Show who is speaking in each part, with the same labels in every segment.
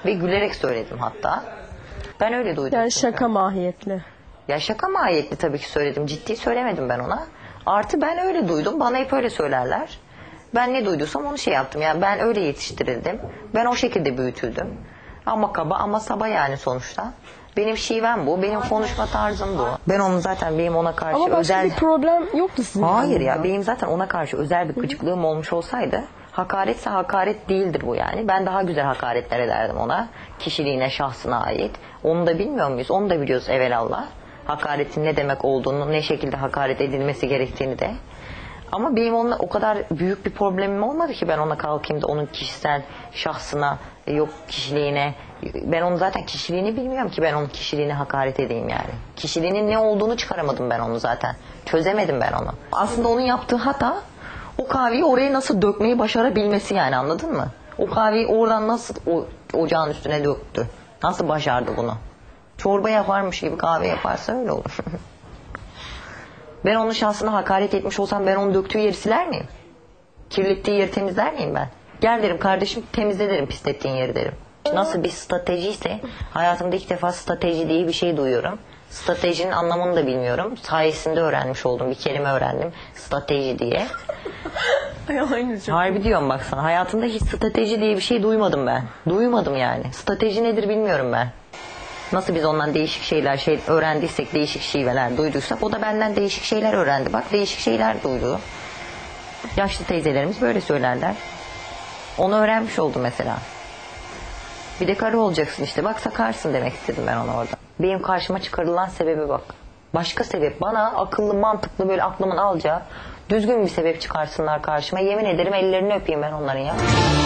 Speaker 1: Ve gülerek söyledim hatta. Ben öyle duydum.
Speaker 2: Yani
Speaker 1: çünkü.
Speaker 2: şaka mahiyetli.
Speaker 1: Ya şaka mahiyetli tabii ki söyledim. Ciddi söylemedim ben ona. Artı ben öyle duydum. Bana hep öyle söylerler. Ben ne duyduysam onu şey yaptım. Yani ben öyle yetiştirildim. Ben o şekilde büyütüldüm. Ama kaba ama saba yani sonuçta. Benim şivem bu. Benim konuşma tarzım bu. Ben onun zaten benim ona karşı
Speaker 2: Ama başka
Speaker 1: özel...
Speaker 2: bir problem yoktu sizin.
Speaker 1: Hayır ya
Speaker 2: yanınızda.
Speaker 1: benim zaten ona karşı özel bir gıcıklığım olmuş olsaydı hakaretse hakaret değildir bu yani. Ben daha güzel hakaretler ederdim ona. Kişiliğine, şahsına ait. Onu da bilmiyor muyuz? Onu da biliyoruz evelallah. Hakaretin ne demek olduğunu, ne şekilde hakaret edilmesi gerektiğini de. Ama benim onunla o kadar büyük bir problemim olmadı ki ben ona kalkayım da onun kişisel şahsına, yok kişiliğine. Ben onun zaten kişiliğini bilmiyorum ki ben onun kişiliğine hakaret edeyim yani. Kişiliğinin ne olduğunu çıkaramadım ben onu zaten. Çözemedim ben onu. Aslında onun yaptığı hata o kahveyi oraya nasıl dökmeyi başarabilmesi yani, anladın mı? O kahveyi oradan nasıl ocağın üstüne döktü. Nasıl başardı bunu? Çorba yaparmış gibi kahve yaparsa öyle olur. Ben onun şahsına hakaret etmiş olsam ben onun döktüğü yeri siler miyim? Kirlettiği yeri temizler miyim ben? Gel derim kardeşim, temizle derim pislettiğin yeri derim. Nasıl bir stratejiyse hayatımda ilk defa strateji diye bir şey duyuyorum. Stratejinin anlamını da bilmiyorum. Sayesinde öğrenmiş oldum. Bir kelime öğrendim. Strateji diye. Harbi diyorum bak sana. Hayatımda hiç strateji diye bir şey duymadım ben. Duymadım yani. Strateji nedir bilmiyorum ben. Nasıl biz ondan değişik şeyler öğrendiysek, değişik şiveler duyduysak o da benden değişik şeyler öğrendi. Bak değişik şeyler duydu. Yaşlı teyzelerimiz böyle söylerler. Onu öğrenmiş oldum mesela. Bir de karı olacaksın işte. Bak sakarsın demek istedim ben ona orada. Benim karşıma çıkarılan sebebi bak. Başka sebep. Bana akıllı, mantıklı, böyle aklımın alacağı düzgün bir sebep çıkarsınlar karşıma. Yemin ederim ellerini öpeyim ben onların ya.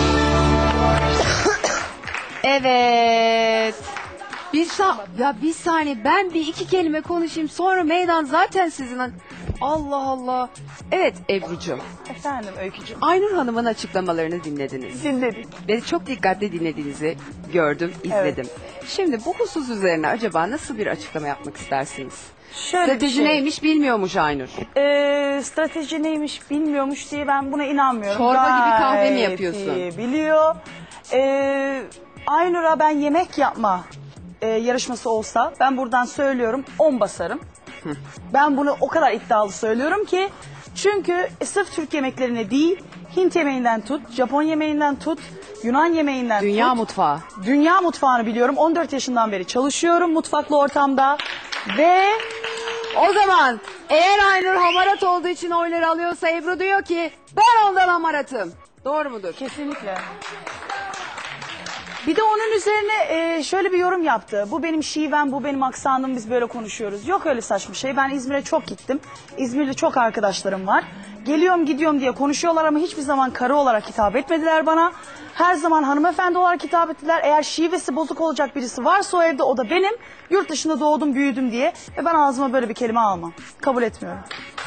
Speaker 3: Evet. Bir saniye ben bir iki kelime konuşayım sonra meydan zaten sizin. Allah Allah. Evet Ebru'cum.
Speaker 4: Efendim Öykücüğüm.
Speaker 3: Aynur Hanım'ın açıklamalarını dinlediniz.
Speaker 4: Dinledik.
Speaker 3: Ve çok dikkatli dinlediğinizi gördüm, izledim. Şimdi bu husus üzerine acaba nasıl bir açıklama yapmak istersiniz?
Speaker 4: Şöyle
Speaker 3: Strateji neymiş bilmiyormuş Aynur.
Speaker 4: Strateji neymiş bilmiyormuş diye ben buna inanmıyorum.
Speaker 3: Çorba gibi kahve mi
Speaker 4: Gayet
Speaker 3: yapıyorsun?
Speaker 4: iyi biliyor. Aynur'a ben yemek yapma yarışması olsa ben buradan söylüyorum 10 basarım. Ben bunu o kadar iddialı söylüyorum ki çünkü sırf Türk yemeklerine değil Hint yemeğinden tut, Japon yemeğinden tut, Yunan yemeğinden
Speaker 3: Dünya
Speaker 4: tut.
Speaker 3: mutfağı.
Speaker 4: Dünya mutfağını biliyorum. 14 yaşından beri çalışıyorum mutfaklı ortamda ve
Speaker 3: O zaman eğer Aynur hamarat olduğu için oyları alıyorsa Ebru diyor ki ben ondan hamaratım. Doğru mudur?
Speaker 4: kesinlikle. Bir de onun üzerine şöyle bir yorum yaptı. Bu benim şivem, bu benim aksanım, biz böyle konuşuyoruz. Yok öyle saçma şey. Ben İzmir'e çok gittim. İzmir'de çok arkadaşlarım var. Geliyorum gidiyorum diye konuşuyorlar ama hiçbir zaman karı olarak hitap etmediler bana. Her zaman hanımefendi olarak hitap ettiler. Eğer şivesi bozuk olacak birisi varsa o evde o da benim. Yurt dışında doğdum büyüdüm diye. Ve ben ağzıma böyle bir kelime almam. Kabul etmiyorum.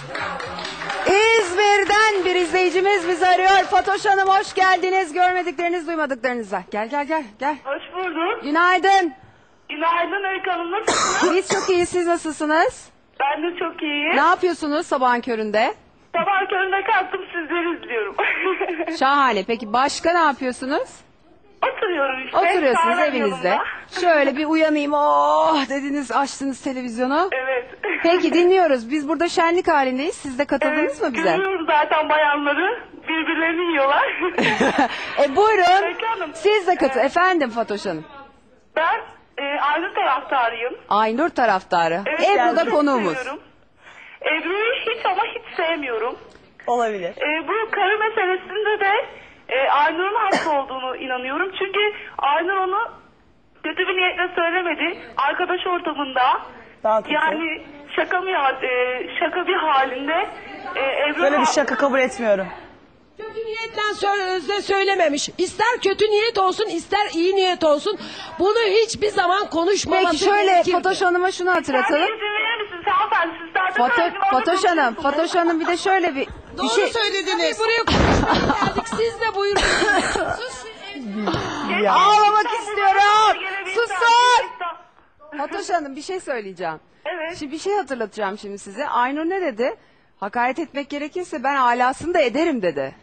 Speaker 3: İzmir'den bir izleyicimiz bizi arıyor. Fatoş Hanım hoş geldiniz. Görmedikleriniz duymadıklarınıza. Gel.
Speaker 5: Hoş bulduk.
Speaker 3: Günaydın.
Speaker 5: Günaydın Öykü Hanım, nasılsınız?
Speaker 3: Biz çok iyiyiz. Siz nasılsınız?
Speaker 5: Ben de çok iyiyim.
Speaker 3: Ne yapıyorsunuz sabahın köründe?
Speaker 5: Sabah köründe kalktım, sizleri izliyorum.
Speaker 3: Şahane. Peki başka ne yapıyorsunuz?
Speaker 5: Oturuyorum işte.
Speaker 3: Oturuyorsunuz
Speaker 5: kahvem
Speaker 3: evinizde.
Speaker 5: yanımda.
Speaker 3: Şöyle bir uyanayım. Oh dediniz, açtınız televizyonu.
Speaker 5: Evet.
Speaker 3: Peki dinliyoruz. Biz burada şenlik halindeyiz. Siz de katıldınız mı bize?
Speaker 5: Görüyorum zaten bayanları. Birbirlerini yiyorlar.
Speaker 3: Buyurun.
Speaker 5: Öykü Hanım,
Speaker 3: Siz de katılın. Efendim Fatoş Hanım.
Speaker 5: Ben Aynur taraftarıyım.
Speaker 3: Aynur taraftarı.
Speaker 5: Evet,
Speaker 3: Ebru
Speaker 5: yani
Speaker 3: da
Speaker 5: çok
Speaker 3: konuğumuz.
Speaker 5: seviyorum. Ebru'yu hiç ama hiç sevmiyorum.
Speaker 4: Olabilir.
Speaker 5: Bu karı meselesinde de Aynur'un haklı olduğunu inanıyorum. Çünkü Aynur onu kötü bir niyetle söylemedi. Arkadaş ortamında
Speaker 4: Daha kötü.
Speaker 5: yani şaka bir halinde Ebru
Speaker 4: Böyle bir şaka kabul etmiyorum.
Speaker 6: Kötü niyetten söylememiş. İster kötü niyet olsun, ister iyi niyet olsun. Bunu hiçbir zaman konuşmaması
Speaker 3: Peki şöyle
Speaker 6: gerekirdi.
Speaker 3: Fatoş Hanım'a şunu
Speaker 5: Sen
Speaker 3: hatırlatalım.
Speaker 5: izin verir misiniz hanımefendi? Siz zaten söyledim,
Speaker 3: Fatoş
Speaker 5: onu
Speaker 3: Hanım,
Speaker 5: konuşuyorsunuz.
Speaker 3: Fatoş Hanım bir de şöyle bir
Speaker 6: Doğru
Speaker 3: şey.
Speaker 6: söylediniz. Tabii buraya konuşmaya geldik. Siz de buyurun. Sus.
Speaker 3: Ağlamak
Speaker 5: Sen
Speaker 3: istiyorum.
Speaker 5: gelebilirsen-
Speaker 3: Susun. Fatoş Hanım bir şey söyleyeceğim.
Speaker 5: Evet.
Speaker 3: Şimdi bir şey hatırlatacağım şimdi size. Aynur ne dedi? Hakaret etmek gerekirse ben alasını da ederim dedi.
Speaker 5: Evet.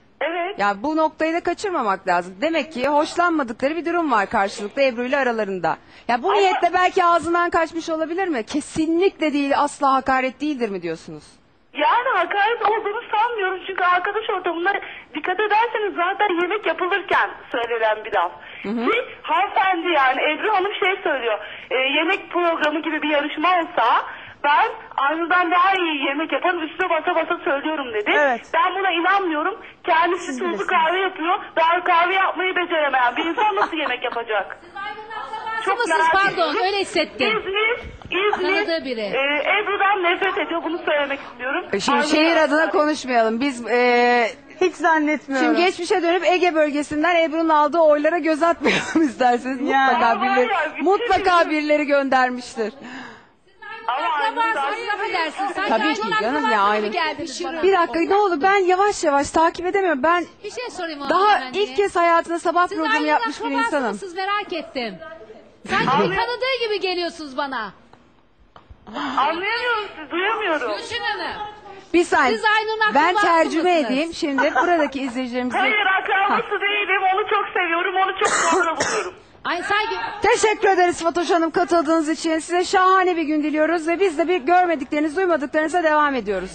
Speaker 5: Evet.
Speaker 3: Ya bu noktayı da kaçırmamak lazım. Demek ki hoşlanmadıkları bir durum var karşılıklı Ebru ile aralarında. Ya bu niyetle belki ağzından kaçmış olabilir mi? Kesinlikle değil, asla hakaret değildir mi diyorsunuz?
Speaker 5: Yani hakaret olduğunu sanmıyorum çünkü arkadaş ortamında dikkat ederseniz zaten yemek yapılırken söylenen bir laf. Ki hanımefendi yani Ebru Hanım şey söylüyor, yemek programı gibi bir yarışma olsa ben Aynur'dan daha iyi yemek yaparım, üstüne basa basa söylüyorum dedi.
Speaker 4: Evet.
Speaker 5: Ben buna inanmıyorum. Kendisi tuzlu kahve yapıyor, daha kahve yapmayı beceremeyen bir insan nasıl yemek yapacak? Çok
Speaker 7: mısınız?
Speaker 5: merak
Speaker 7: Pardon,
Speaker 5: ediyorum.
Speaker 7: öyle hissettim.
Speaker 5: İzmir
Speaker 7: Tanıdığı biri.
Speaker 5: Ebru'dan nefret ediyor, bunu söylemek istiyorum.
Speaker 3: Şimdi
Speaker 5: Aynur
Speaker 3: şehir
Speaker 5: Hanım-
Speaker 3: adına konuşmayalım. Biz
Speaker 4: Hiç zannetmiyorum.
Speaker 3: şimdi geçmişe dönüp Ege bölgesinden Ebru'nun aldığı oylara göz atmayalım isterseniz.
Speaker 4: Yani.
Speaker 3: Mutlaka birileri,
Speaker 5: Var ya, bütün
Speaker 3: mutlaka
Speaker 5: bir-
Speaker 3: birileri göndermiştir.
Speaker 5: Ama Aynur'dan-
Speaker 7: Akrabasınız, affedersin. Sanki
Speaker 3: Tabii
Speaker 7: Aynur'un
Speaker 3: ki canım
Speaker 7: akrabası
Speaker 3: ya,
Speaker 7: gibi
Speaker 3: aynı.
Speaker 7: geldiniz bana.
Speaker 3: Bir dakika ne olur, ben yavaş yavaş takip edemiyorum. Ben
Speaker 7: Bir şey sorayım ona
Speaker 3: daha
Speaker 7: hanımefendiye.
Speaker 3: ilk kez hayatında sabah
Speaker 7: Siz
Speaker 3: programı
Speaker 7: Aynur'un
Speaker 3: yapmış bir
Speaker 7: akrabası
Speaker 3: insanım.
Speaker 7: mısınız? Merak ettim. Sanki bir tanıdığı gibi geliyorsunuz bana.
Speaker 5: Anlayamıyorum sizi, duyamıyorum.
Speaker 7: Gülşin Hanım.
Speaker 3: Bir saniye.
Speaker 7: Siz Aynur'un
Speaker 3: Ben
Speaker 7: akrabası
Speaker 3: tercüme
Speaker 7: mısınız?
Speaker 3: edeyim. Şimdi buradaki izleyicilerimize...
Speaker 5: Hayır akrabası değilim, onu çok seviyorum, onu çok sonra buluyorum.
Speaker 7: Ay sanki
Speaker 3: Teşekkür ederiz Fatoş Hanım katıldığınız için. Size şahane bir gün diliyoruz ve biz de bir görmedikleriniz, duymadıklarınıza devam ediyoruz.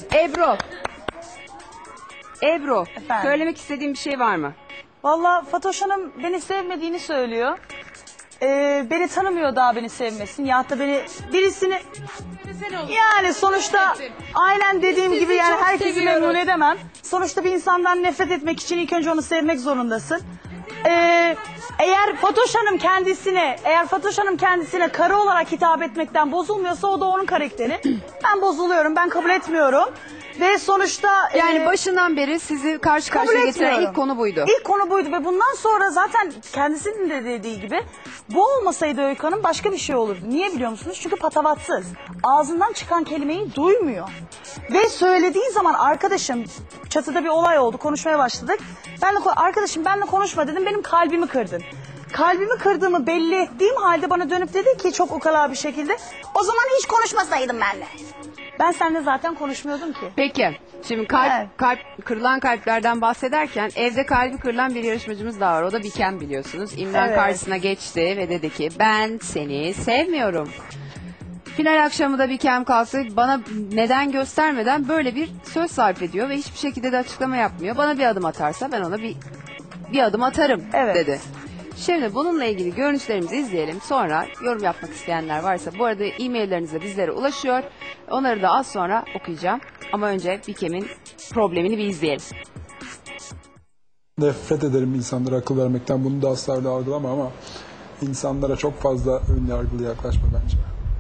Speaker 3: Ebru,
Speaker 4: Efendim?
Speaker 3: söylemek istediğin bir şey var mı?
Speaker 4: Valla Fatoş Hanım beni sevmediğini söylüyor. Beni tanımıyor daha beni sevmesin. Ya da beni birisini... Yani sonuçta aynen dediğim gibi yani
Speaker 7: çok
Speaker 4: herkesi
Speaker 7: seviyoruz.
Speaker 4: memnun edemem. Sonuçta bir insandan nefret etmek için ilk önce onu sevmek zorundasın. Eğer Fatoş Hanım kendisine karı olarak hitap etmekten bozulmuyorsa o da onun karakteri. Ben bozuluyorum, ben kabul etmiyorum. Ve sonuçta...
Speaker 3: Yani başından beri sizi karşı
Speaker 4: kabul
Speaker 3: karşıya getiren
Speaker 4: etmiyorum.
Speaker 3: ilk konu buydu.
Speaker 4: İlk konu buydu ve bundan sonra zaten kendisinin de dediği gibi bu olmasaydı Öykü Hanım başka bir şey olurdu. Niye biliyor musunuz? Çünkü patavatsız. Ağzından çıkan kelimeyi duymuyor. Ve söylediği zaman arkadaşım çatıda bir olay oldu, konuşmaya başladık. Arkadaşım benimle konuşma dedim, benim kalbimi kırdın. Kalbimi kırdığımı belli ettiğim halde bana dönüp dedi ki çok ukala bir şekilde o zaman hiç konuşmasaydım benimle. Ben seninle zaten konuşmuyordum ki.
Speaker 3: Peki, şimdi
Speaker 4: Evet.
Speaker 3: kırılan kalplerden bahsederken evde kalbi kırılan bir yarışmacımız daha var. O da Bikem biliyorsunuz. İmran
Speaker 4: Evet.
Speaker 3: karşısına geçti ve dedi ki ben seni sevmiyorum. Final akşamı da Bikem kalktı. Bana neden göstermeden böyle bir söz sarf ediyor ve hiçbir şekilde de açıklama yapmıyor. Bana bir adım atarsa ben ona bir adım atarım
Speaker 4: Evet.
Speaker 3: dedi. Şimdi bununla ilgili görüntülerimizi izleyelim. Sonra yorum yapmak isteyenler varsa bu arada e-mailleriniz de bizlere ulaşıyor. Onları da az sonra okuyacağım. Ama önce Bikem'in problemini bir izleyelim.
Speaker 8: Nefret ederim insanlara akıl vermekten. Bunu da asla öyle algılama ama insanlara çok fazla ön yargılı yaklaşma bence.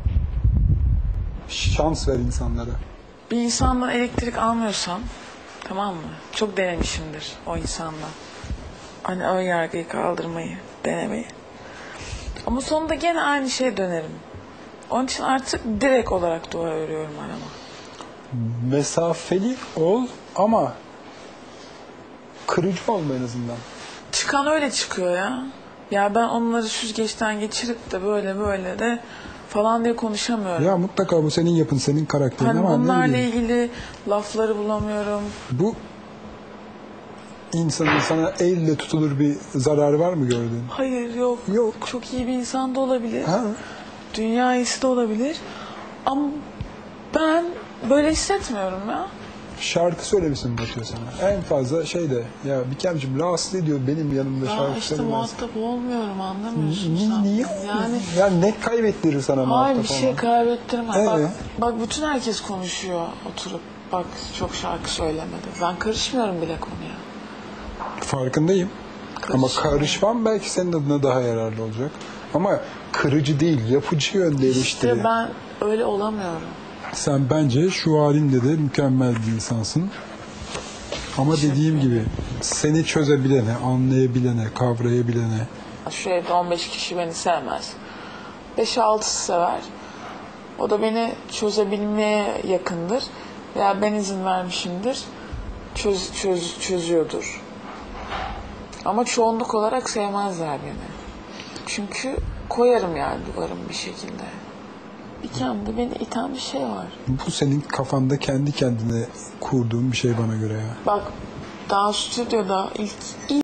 Speaker 8: Şans ver insanlara.
Speaker 9: Bir insandan elektrik almıyorsam, tamam mı? Çok denemişimdir o insandan. Hani ön yargıyı kaldırmayı, denemeyi. Ama sonunda gene aynı şeye dönerim. Onun için artık direkt olarak dua örüyorum arama.
Speaker 8: Mesafeli ol ama kırıcı olma en azından.
Speaker 9: Çıkan öyle çıkıyor ya. Ya ben onları süzgeçten geçirip de böyle de falan diye konuşamıyorum.
Speaker 8: Ya mutlaka bu senin yapın, senin karakterin
Speaker 9: Hani
Speaker 8: ama ne
Speaker 9: bunlarla
Speaker 8: bileyim.
Speaker 9: ilgili lafları bulamıyorum.
Speaker 8: Bu insanın sana elle tutulur bir zararı var mı gördüğün?
Speaker 9: Hayır yok.
Speaker 8: Yok.
Speaker 9: Çok iyi bir insan da olabilir.
Speaker 8: Ha?
Speaker 9: Dünya iyisi de olabilir. Ama ben böyle hissetmiyorum ya.
Speaker 8: Şarkı söylemişsin batıyor sana. En fazla şey de ya Bikemciğim rahatsız ediyor benim yanımda
Speaker 9: Ya
Speaker 8: şarkı
Speaker 9: işte
Speaker 8: söylemez.
Speaker 9: muhatap olmuyorum, anlamıyorsun sen.
Speaker 8: Niye?
Speaker 9: Yani
Speaker 8: Ya ne kaybettirir sana
Speaker 9: hayır
Speaker 8: muhatap
Speaker 9: bir şey
Speaker 8: olmak?
Speaker 9: kaybettirmez. Bak bütün herkes konuşuyor oturup. Bak çok şarkı söylemedi. Ben karışmıyorum bile konuya.
Speaker 8: Farkındayım. Ama karışmam belki senin adına daha yararlı olacak. Ama kırıcı değil, yapıcı yönde eleştiri.
Speaker 9: İşte ben öyle olamıyorum.
Speaker 8: Sen bence şu halinde de mükemmel bir insansın. Ama dediğim gibi seni çözebilene, anlayabilene, kavrayabilene.
Speaker 9: Şu evde 15 kişi beni sevmez. 5-6'sı sever. O da beni çözebilmeye yakındır. Veya ben izin vermişimdir. Çözüyordur. Ama çoğunluk olarak sevmezler beni. Çünkü koyarım yani duvarım bir şekilde. İçimde beni iten bir şey var.
Speaker 8: Bu senin kafanda kendi kendine kurduğun bir şey bana göre ya.
Speaker 9: Bak daha stüdyoda ilk